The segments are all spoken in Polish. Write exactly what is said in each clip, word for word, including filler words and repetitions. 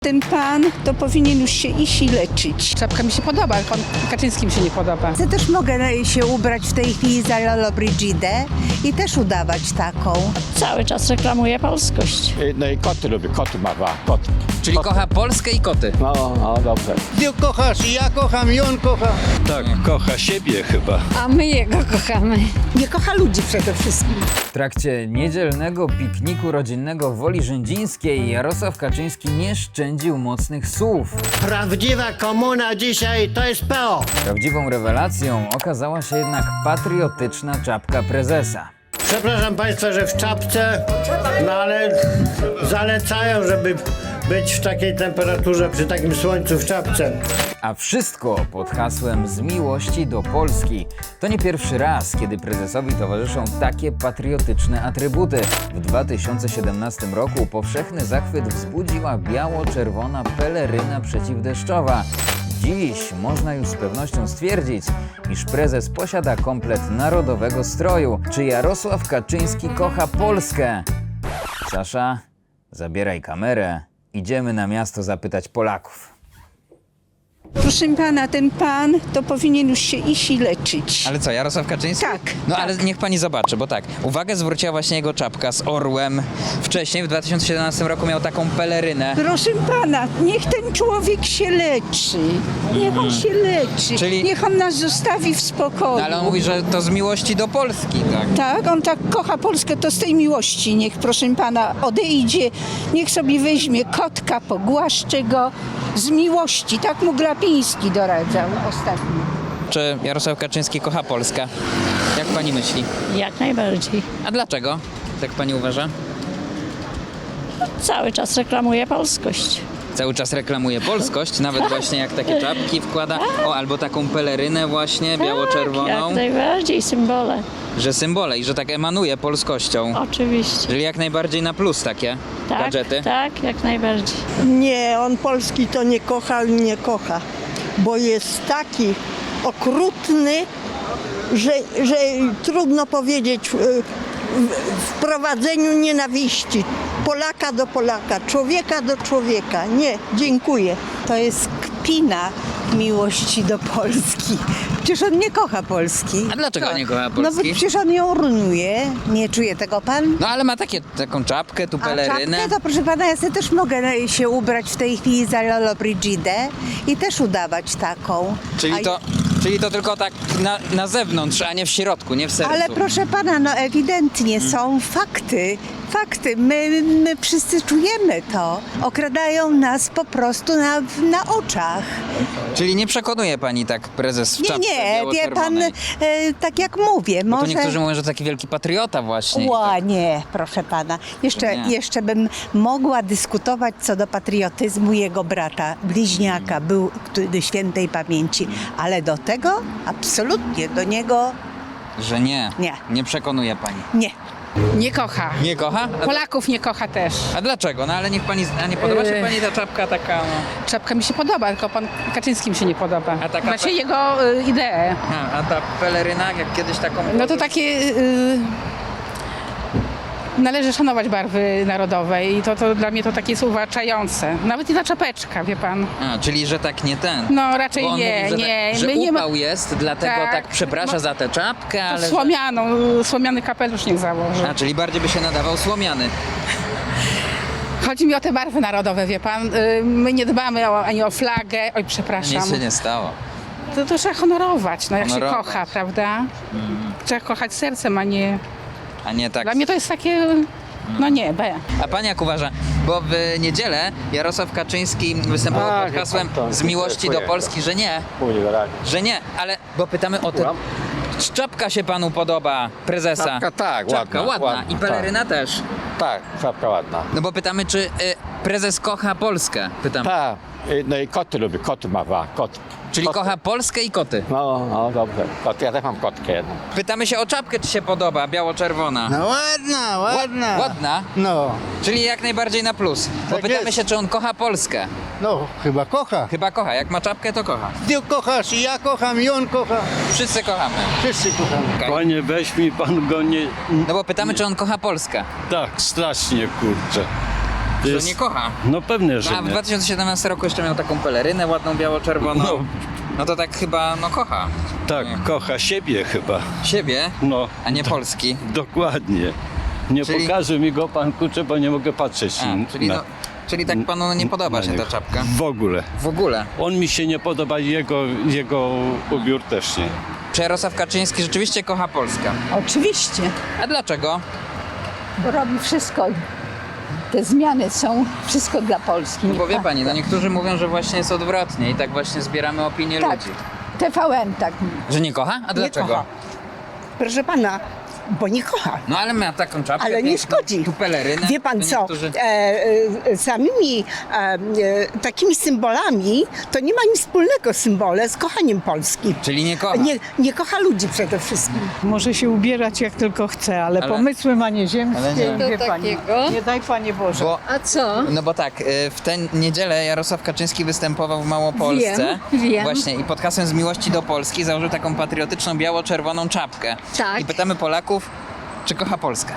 Ten pan to powinien już się iść i leczyć. Czapka mi się podoba, ale pan Kaczyński mi się nie podoba. Ja też mogę się ubrać w tej chwili za Lolo Brigidę i też udawać taką. Cały czas reklamuje polskość. No i koty lubię, koty ma dwa, koty. Czyli kocha Polskę i koty. No, no dobrze. Ty kochasz, i ja kocham, i on kocha. Tak, kocha siebie chyba. A my jego kochamy. Nie kocha ludzi przede wszystkim. W trakcie niedzielnego pikniku rodzinnego w Woli Rzędzińskiej Jarosław Kaczyński nie szczędził mocnych słów. Prawdziwa komuna dzisiaj to jest P O. Prawdziwą rewelacją okazała się jednak patriotyczna czapka prezesa. Przepraszam Państwa, że w czapce, no ale zalecają, żeby być w takiej temperaturze, przy takim słońcu w czapce. A wszystko pod hasłem z miłości do Polski. To nie pierwszy raz, kiedy prezesowi towarzyszą takie patriotyczne atrybuty. W dwa tysiące siedemnastym roku powszechny zachwyt wzbudziła biało-czerwona peleryna przeciwdeszczowa. Dziś można już z pewnością stwierdzić, iż prezes posiada komplet narodowego stroju. Czy Jarosław Kaczyński kocha Polskę? Sasza, zabieraj kamerę. Idziemy na miasto zapytać Polaków. Proszę pana, ten pan to powinien już się iść i leczyć. Ale co, Jarosław Kaczyński? Tak. No tak. ale niech pani zobaczy, bo tak, uwagę zwróciła właśnie jego czapka z orłem. Wcześniej, w dwa tysiące siedemnastym roku miał taką pelerynę. Proszę pana, niech ten człowiek się leczy. Niech on się leczy. Czyli- Niech on nas zostawi w spokoju. No, ale on mówi, że to z miłości do Polski, tak? Tak, on tak kocha Polskę, to z tej miłości niech, proszę pana, odejdzie, niech sobie weźmie kotka, pogłaszcze go z miłości. Tak mu Glapiński doradzał ostatnio. Czy Jarosław Kaczyński kocha Polskę? Jak pani myśli? Jak najbardziej. A dlaczego? Tak pani uważa? Cały czas reklamuje polskość. Cały czas reklamuje polskość, nawet właśnie jak takie czapki wkłada. O, albo taką pelerynę właśnie, biało-czerwoną. Jak najbardziej symbole. Że symbole i że tak emanuje polskością. Oczywiście. Czyli jak najbardziej na plus takie Tak, gadżety. tak, jak najbardziej. Nie, on Polski to nie kocha i nie kocha, bo jest taki okrutny, że, że trudno powiedzieć w, w wprowadzeniu nienawiści. Polaka do Polaka, człowieka do człowieka. Nie, dziękuję. To jest kpina miłości do Polski. Przecież on nie kocha Polski. A dlaczego nie kocha No bo Polski? przecież on ją rujnuje. Nie czuje tego pan? No ale ma takie, taką czapkę, tu A pelerynę. czapkę to proszę pana, ja sobie też mogę się ubrać w tej chwili za Lolo Brigidę i też udawać taką. Czyli A- to, czyli to tylko tak na, na zewnątrz, a nie w środku, nie w sercu. Ale proszę pana, no ewidentnie są fakty. Fakty. My, my wszyscy czujemy to. Okradają nas po prostu na, na oczach. Czyli nie przekonuje pani tak prezes w Nie, czapce nie, wie pan, biało-czerwonej? e, tak jak mówię, Bo to może... niektórzy mówią, że taki wielki patriota właśnie. i Ła, tak. nie, proszę pana. Jeszcze, Nie. jeszcze bym mogła dyskutować co do patriotyzmu jego brata, bliźniaka, był który świętej pamięci, ale do tego absolutnie, do niego Że nie, Nie. nie przekonuje pani. nie. Nie kocha. Nie kocha? A, Polaków nie kocha też. a dlaczego? No ale niech pani, a nie podoba się Yy. pani ta czapka taka, no. Czapka mi się podoba, tylko pan Kaczyński mi się nie podoba. A taka Właśnie pe- jego y, idee. A, a ta peleryna, jak kiedyś taką... No to takie... Y, należy szanować barwy narodowe i to, to dla mnie to takie jest uwłaczające. Nawet i ta czapeczka, wie pan. A, czyli że tak nie ten. No raczej Bo on nie, mówi, że, nie. tak, że My nie ma- upał jest, dlatego tak, Tak. przeprasza Mo- za tę czapkę, To ale... że- słomianą, słomiany kapelusz niech założy. A, czyli bardziej by się nadawał słomiany. Chodzi mi o te barwy narodowe, wie pan. Y, My nie dbamy o, ani o flagę. Oj, przepraszam. Nic się nie stało. To, to trzeba honorować, no jak Honorować. się kocha, prawda? Trzeba kochać sercem, a nie... A nie tak... Dla mnie to jest takie... No nie, B. A pani jak uważa? Bo w niedzielę Jarosław Kaczyński występował A, pod wie hasłem pan, to z miłości do dziękuję. Polski, że nie, Mówię wyraźnie. że nie, ale bo pytamy o te... Czapka się panu podoba, prezesa? Czapka tak, Czapka ładna, ładna. ładna, I peleryna też. Tak, czapka ładna. No bo pytamy, czy y, prezes kocha Polskę? Pytam. Tak, no i koty lubię, koty ma dwa, koty. Czyli koty. kocha Polskę i koty. No, no dobrze. Koty, ja też mam kotkę jedną. Pytamy się o czapkę, czy się podoba, biało-czerwona. No ładna, ładna. Ładna? No, Czyli jak najbardziej na plus. Bo Tak pytamy jest. się, czy on kocha Polskę. no, chyba kocha. Chyba kocha. Jak ma czapkę, to kocha. Ty kochasz, i ja kocham, i on kocha. Wszyscy kochamy. Wszyscy kochamy. Panie, weź mi pan go nie... No bo pytamy, czy on kocha Polskę. Tak, strasznie, kurczę. To Że jest- nie kocha. No pewnie, że A w nie. dwa tysiące siedemnastym roku jeszcze miał taką pelerynę ładną, biało-czerwoną. No. No to tak chyba, no kocha. Tak, kocha siebie chyba. Siebie, No, a nie Polski. dokładnie. Nie Czyli- pokaże mi go pan kurczę, bo nie mogę patrzeć A, czyli, na, no, czyli tak panu nie podoba na się ta niego. czapka? W ogóle. W ogóle. On mi się nie podoba i jego, jego ubiór też nie. Czy Jarosław Kaczyński rzeczywiście kocha Polskę? Oczywiście, A dlaczego? bo robi wszystko. Te zmiany są wszystko dla Polski. No bo wie pani, no niektórzy mówią, że właśnie jest odwrotnie i tak właśnie zbieramy opinię Tak, ludzi. T V N tak mówi. Że nie kocha? A dlaczego? kocha. Proszę pana, bo nie kocha. No ale ma taką czapkę Ale nie piękną, szkodzi. tu pelerynę. Wie pan to co, niektórzy- e, e, samymi e, e, takimi symbolami to nie ma nic wspólnego symbole z kochaniem Polski. Czyli nie kocha. Nie, nie kocha ludzi przede wszystkim. Może się ubierać jak tylko chce, ale, Ale- pomysły ma nieziemskie, ale nie. wie To pani. takiego? Nie daj Panie Boże. Bo, A co? no bo tak, y, w tę niedzielę Jarosław Kaczyński występował w Małopolsce. Wiem, wiem. Właśnie i pod hasłem z miłości do Polski założył taką patriotyczną biało-czerwoną czapkę. Tak. I pytamy Polaków, czy kocha Polskę?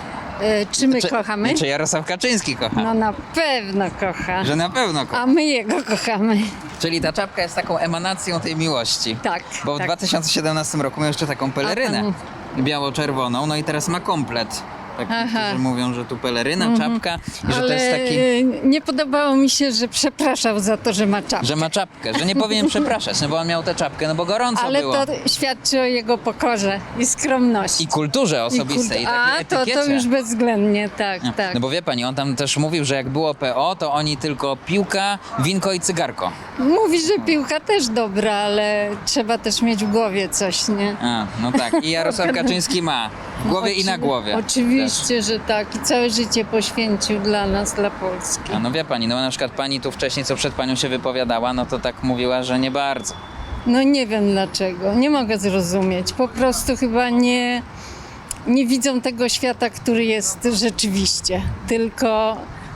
E, czy my czy, kochamy? Czy Jarosław Kaczyński kocha? No na pewno kocha. Że na pewno kocha. A my jego kochamy. Czyli ta czapka jest taką emanacją tej miłości. Tak. Bo w tak. dwa tysiące siedemnastym roku miał jeszcze taką pelerynę A pan- biało-czerwoną, no i teraz ma komplet. Tak, Aha. niektórzy mówią, że tu peleryna, czapka i że Ale to jest taki... e, nie podobało mi się, że przepraszał za to, że ma czapkę. Że ma czapkę, że nie powinien przepraszać, no bo on miał tę czapkę, no bo gorąco Ale było. to świadczy o jego pokorze i skromności. I kulturze I osobistej, i, kult- takiej A, to, etykiecie. to już bezwzględnie, tak, No, tak. no bo wie pani, on tam też mówił, że jak było P O, to oni tylko piłka, winko i cygarko. Mówi, że piłka też dobra, ale trzeba też mieć w głowie coś, nie? A, no tak. I Jarosław Kaczyński ma w głowie i na Oczywi- głowie. Oczywiście, że tak. I całe życie poświęcił dla nas, dla Polski. Też. A no wie pani, no na przykład pani tu wcześniej, co przed panią się wypowiadała, no to tak mówiła, że nie bardzo. No nie wiem dlaczego. Nie mogę zrozumieć. Po prostu chyba nie, nie widzą tego świata, który jest rzeczywiście. Tylko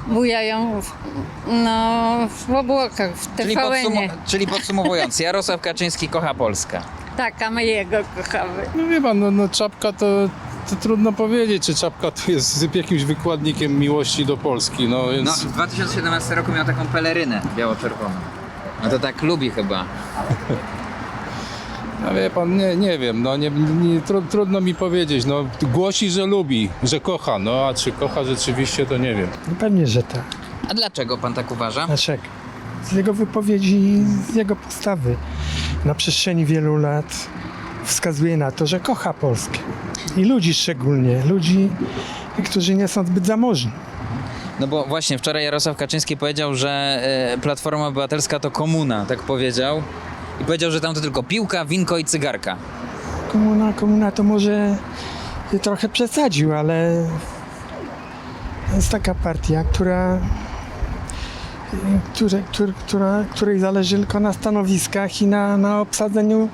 bujają w, no, w obłokach, w Czyli, T V N-ie. podsumu- czyli podsumowując, Jarosław Kaczyński kocha Polskę. Tak, a my jego kochamy. No wie pan, no, no czapka to, to trudno powiedzieć, czy czapka to jest jakimś wykładnikiem miłości do Polski, no więc... No, w dwa tysiące siedemnastym roku miał taką pelerynę biało-czerwoną. No to tak lubi chyba. No wie pan, nie, nie wiem, no nie, nie, tru, trudno mi powiedzieć, no głosi, że lubi, że kocha, no a czy kocha rzeczywiście, to nie wiem. No pewnie, że tak. A dlaczego pan tak uważa? Dlaczego? Z jego wypowiedzi, z jego postawy na przestrzeni wielu lat wskazuje na to, że kocha Polskę. I ludzi szczególnie, ludzi, którzy nie są zbyt zamożni. No bo właśnie wczoraj Jarosław Kaczyński powiedział, że e, Platforma Obywatelska to komuna, tak powiedział. I powiedział, że tam to tylko piłka, winko i cygarka. Komuna, komuna to może trochę przesadził, ale to jest taka partia, która, które, które, która, której zależy tylko na stanowiskach i na, na obsadzeniu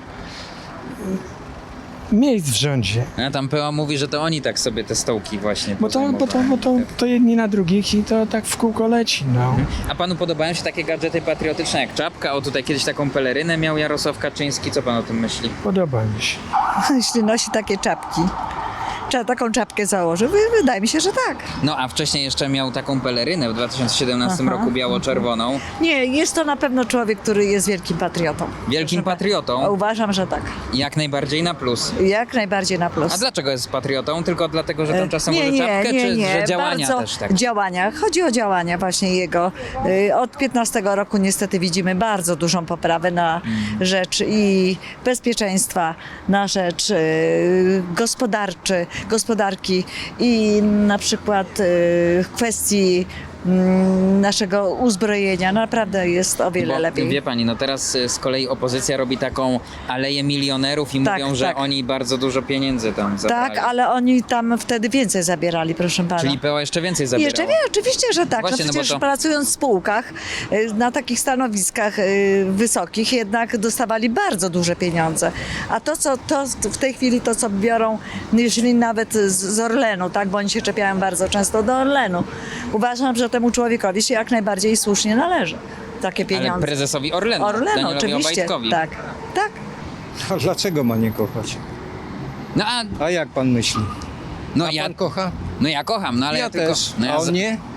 miejsc w rządzie. A tam P O mówi, że to oni tak sobie te stołki właśnie Bo to, bo to, bo to, to jedni na drugich i to tak w kółko leci. No. A panu podobają się takie gadżety patriotyczne jak czapka? O, tutaj kiedyś taką pelerynę miał Jarosław Kaczyński. Co pan o tym myśli? Podoba mi się. Jeśli nosi takie czapki, trzeba taką czapkę założyć. Wydaje mi się, że tak. No a wcześniej jeszcze miał taką pelerynę w dwa tysiące siedemnastym roku biało-czerwoną. Nie, jest to na pewno człowiek, który jest wielkim patriotą. Wielkim patriotą. Uważam, że tak. Jak najbardziej na plus. Jak najbardziej na plus. A dlaczego jest patriotą? Tylko dlatego, że tam czasem nie, może nie, czapkę, nie, czy nie. że działania Bardzo też tak? Działania. Chodzi o działania właśnie jego. Y, Od piętnastego roku niestety widzimy bardzo dużą poprawę na Mm. rzecz i bezpieczeństwa, na rzecz y, gospodarczy, gospodarki i na przykład y, w kwestii mm, naszego uzbrojenia. Naprawdę jest o wiele Bo, lepiej. Wie pani, no teraz y, z kolei opozycja robi taką aleję milionerów i Tak, mówią, że tak. oni bardzo dużo pieniędzy tam zabrali. Tak, ale oni tam wtedy więcej zabierali, proszę pana. Czyli P O jeszcze więcej I zabierało. Jeszcze wie, oczywiście, że tak. Właśnie, no no bo przecież to- pracując w spółkach, y, na takich stanowiskach y, wysokich, jednak dostawali bardzo duże pieniądze. A to, co to w tej chwili to, co biorą, jeżeli nawet z, z Orlenu, tak, bo oni się czepiają bardzo często do Orlenu, uważam, że temu człowiekowi się jak najbardziej słusznie należy takie pieniądze. Ale prezesowi Orlenu, Orlenu, Danielowi oczywiście. Obajtkowi. Tak, tak. A dlaczego ma nie kochać? No a, A jak pan myśli? no ja, kocha? no ja kocham, no ale ja, ja tylko... też. No ja A z- on nie?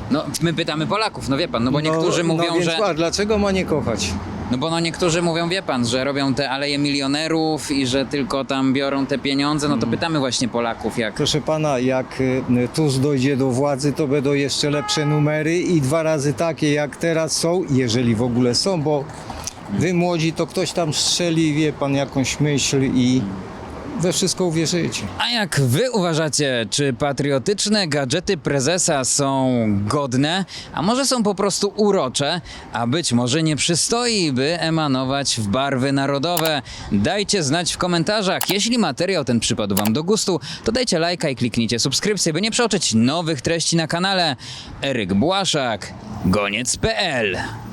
No, my pytamy Polaków, no wie pan, no bo niektórzy no, mówią, no więc, że... A dlaczego ma nie kochać? No bo no niektórzy mówią, wie pan, że robią te aleje milionerów i że tylko tam biorą te pieniądze, no to pytamy właśnie Polaków, jak... Proszę pana, jak y, Tusk dojdzie do władzy, to będą jeszcze lepsze numery i dwa razy takie jak teraz są, jeżeli w ogóle są, bo wy młodzi to ktoś tam strzeli, wie pan, jakąś myśl i we wszystko uwierzycie. A jak wy uważacie, czy patriotyczne gadżety prezesa są godne, a może są po prostu urocze, a być może nie przystoi, by emanować w barwy narodowe? Dajcie znać w komentarzach. Jeśli materiał ten przypadł wam do gustu, to dajcie lajka i kliknijcie subskrypcję, by nie przeoczyć nowych treści na kanale. Eryk Błaszak, goniec kropka pe el